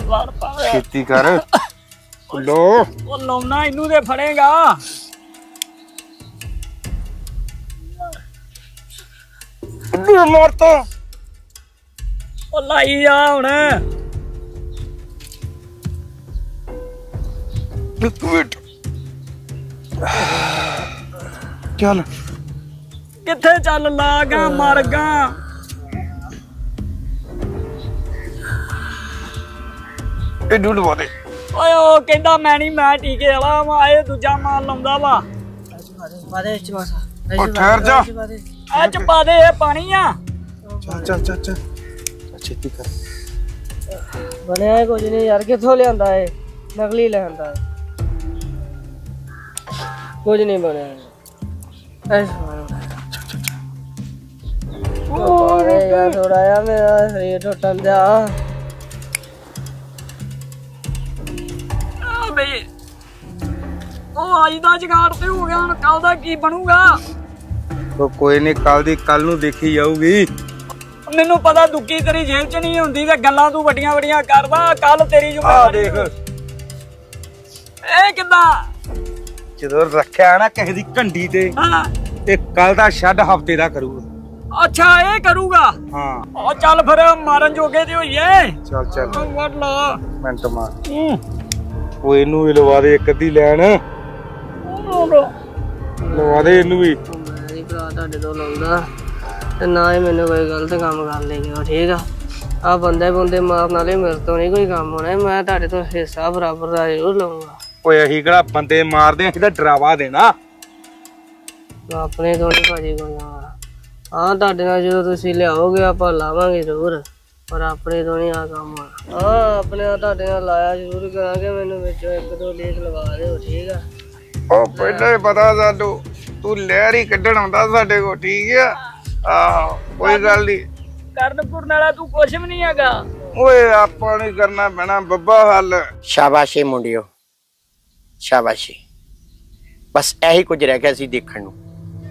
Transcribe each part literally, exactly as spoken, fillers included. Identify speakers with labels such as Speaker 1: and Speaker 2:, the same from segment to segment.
Speaker 1: लड़ पा
Speaker 2: खेती कर लो
Speaker 1: ओ लौना इनू दे फड़ेगा
Speaker 2: मार तो
Speaker 1: ओ लाई आ हुण
Speaker 2: एक मिनट चल
Speaker 1: किथे चल लागा मर गा
Speaker 2: ए ढूंढ वाले
Speaker 1: ओए ओ कहंदा मैं नहीं मैं टीके वाला वा ए दूजा मार लाउंदा वा
Speaker 3: बादे च बस
Speaker 2: ओ ठहर जा
Speaker 1: ए च पा दे ए पानी आ
Speaker 2: चल चल चल चल खेती कर
Speaker 3: ਬਣਿਆ ਹੈ ਕੁਝ ਨਹੀਂ ਯਾਰ ਕਿੱਥੋਂ ਲਿਆਂਦਾ ਹੈ ਨਕਲੀ ਲਿਆਂਦਾ ਹੈ ਕੁਝ ਨਹੀਂ ਬਣਿਆ ਐਸ ਮਾਰੋ ਉਹ ਯਾਰ ਥੋੜਾ ਆ ਮੇਰਾ ਸਰੀਰ ਟੁੱਟਣ ਜਾ
Speaker 1: ਆ ਬਈ ਉਹ ਅੱਜ ਦਾ ਜਗਾੜ ਤੇ ਹੋ ਗਿਆ ਹੁਣ ਕੱਲ ਦਾ ਕੀ ਬਣੂਗਾ
Speaker 2: तो कोई नहीं कल दी कल नू देखी जाऊगी
Speaker 1: ਮੈਨੂੰ ਪਤਾ ਦੁੱਕੀ ਤੇਰੀ ਜੇਬ ਚ ਨਹੀਂ ਹੁੰਦੀ ਤੇ ਗੱਲਾਂ ਤੂੰ ਵੱਡੀਆਂ ਵੱਡੀਆਂ ਕਰਦਾ ਕੱਲ ਤੇਰੀ
Speaker 2: आ
Speaker 1: ਜ਼ਿੰਮੇਵਾਰੀ
Speaker 2: देख
Speaker 1: ਇਹ ਕਿੱਦਾਂ
Speaker 2: ਜਦੋਂ ਰੱਖਿਆ ਨਾ ਕਿਸੇ ਦੀ ਘੰਡੀ ਤੇ
Speaker 1: ਹਾਂ
Speaker 2: ਤੇ ਕੱਲ ਦਾ ਛੱਡ ਹਫਤੇ ਦਾ ਕਰੂਗਾ
Speaker 1: ਅੱਛਾ ਇਹ ਕਰੂਗਾ
Speaker 2: ਹਾਂ
Speaker 1: ਉਹ ਚੱਲ ਫਿਰ ਮਾਰਨ ਜੋਗੇ ਤੇ ਹੋਈਏ
Speaker 2: ਚੱਲ ਚੱਲ
Speaker 1: ਵੱਢ ਲਾ
Speaker 2: ਮਿੰਟ ਮਾਰ
Speaker 1: ਹੂੰ
Speaker 2: ਉਹ ਇਹਨੂੰ ਵੀ ਲਵਾ ਦੇ ਇੱਕ ਅੱਧੀ ਲੈਣ ਲਵਾ ਦੇ ਇਹਨੂੰ ਵੀ
Speaker 3: ਮੇਰੀ ਭਰਾ ਤੁਹਾਡੇ ਤੋਂ ਲਾਉਂਦਾ ਤੇ ਨਾ ਹੀ ਮੈਨੂੰ ਕੋਈ ਗਲਤ ਕੰਮ ਕਰ ਲੇਗਾ ਠੀਕ ਆ ਆ ਬੰਦੇ ਬੰਦੇ ਮਾਰਨ ਵਾਲੇ ਮੇਰੇ ਤੋਂ ਨਹੀਂ ਕੋਈ ਕੰਮ ਹੋਣਾ ਮੈਂ ਤੁਹਾਡੇ ਤੋਂ ਹਿੱਸਾ ਬਰਾਬਰ ਦਾ ਜ਼ਰੂਰ ਲਵਾਂਗਾ
Speaker 2: ਓਏ ਅਸੀਂ ਕਿਹੜਾ ਬੰਦੇ ਮਾਰਦੇ ਅਸੀਂ ਤਾਂ ਡਰਾਵਾ ਦੇਣਾ
Speaker 3: ਆਪਣੇ ਤੋਂ ਨਹੀਂ ਭਾਜੀ ਕੋਈ ਆ ਹਾਂ ਤੁਹਾਡੇ ਨਾਲ ਜਦੋਂ ਤੁਸੀਂ ਲਿਆਓਗੇ ਆਪਾਂ ਲਾਵਾਂਗੇ ਜ਼ਰੂਰ ਪਰ ਆਪਣੇ ਤੋਂ ਨਹੀਂ ਆ ਕੰਮ ਹੋਣਾ ਹਾਂ ਆਪਣੇ ਨਾਲ ਤੁਹਾਡੇ ਨਾਲ ਲਾਇਆ ਜ਼ਰੂਰ ਕਰਾਂਗੇ ਮੈਨੂੰ ਵਿੱਚੋਂ ਇੱਕ ਦੋ ਲੇਖ ਲਵਾ ਦਿਓ ਠੀਕ ਆ
Speaker 2: ਉਹ ਪਹਿਲਾਂ ਹੀ ਪਤਾ ਸਾਨੂੰ ਤੂੰ ਲਹਿਰ ਹੀ ਕੱਢਣ ਆਉਂਦਾ ਸਾਡੇ ਕੋਲ ਠੀਕ ਆ ਆਹੋ ਕੋਈ ਗੱਲ ਨਹੀਂ
Speaker 1: ਕਰਨ ਕੁਰਨ ਵਾਲਾ ਤੂੰ ਕੁਛ ਵੀ ਨਹੀਂ ਹੈਗਾ
Speaker 2: ਓਏ ਆਪਾਂ ਨੂੰ ਕਰਨਾ ਪੈਣਾ ਬੱਬਾ ਹੱਲ
Speaker 4: ਸ਼ਾਬਾਸ਼ੇ ਮੁੰਡਿਓ ਸ਼ਾਬਾਸ਼ੇ ਬਸ ਇਹੀ ਕੁਝ ਰਹਿ ਗਿਆ ਸੀ ਦੇਖਣ ਨੂੰ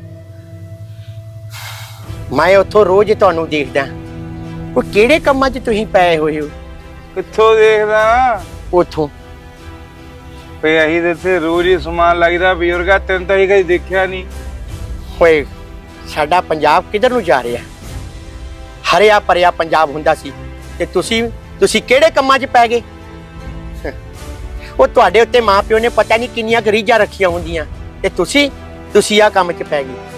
Speaker 4: ਮੈਂ ਉੱਥੋਂ ਰੋਜ਼ ਤੁਹਾਨੂੰ ਦੇਖਦਾ ਉਹ ਕਿਹੜੇ ਕੰਮਾਂ 'ਚ ਤੁਸੀਂ ਪਏ ਹੋਏ ਹੋ
Speaker 2: ਕਿੱਥੋਂ ਦੇਖਦਾ
Speaker 4: ਉੱਥੋਂ
Speaker 2: ਪਈ ਅਸੀਂ ਤੇ ਇੱਥੇ ਰੋਜ਼ ਹੀ ਸਮਾਨ ਲੱਗਦਾ ਬਜ਼ੁਰਗਾ ਤੈਨੂੰ ਤਾਂ ਹੀ ਕਦੇ ਦੇਖਿਆ ਨਹੀਂ
Speaker 4: ਹੋਏ ਸਾਡਾ ਪੰਜਾਬ ਕਿੱਧਰ ਨੂੰ ਜਾ ਰਿਹਾ ਹਰਿਆ ਭਰਿਆ ਪੰਜਾਬ ਹੁੰਦਾ ਸੀ ਤੇ ਤੁਸੀਂ ਤੁਸੀਂ ਕਿਹੜੇ ਕੰਮਾਂ 'ਚ ਪੈ ਗਏ ਉਹ ਤੁਹਾਡੇ ਉੱਤੇ ਮਾਂ ਪਿਓ ਨੇ ਪਤਾ ਨਹੀਂ ਕਿੰਨੀਆਂ ਗਰੀਜਾਂ ਰੱਖੀਆਂ ਹੁੰਦੀਆਂ ਤੇ ਤੁਸੀਂ ਤੁਸੀਂ ਆਹ ਕੰਮ 'ਚ ਪੈ ਗਏ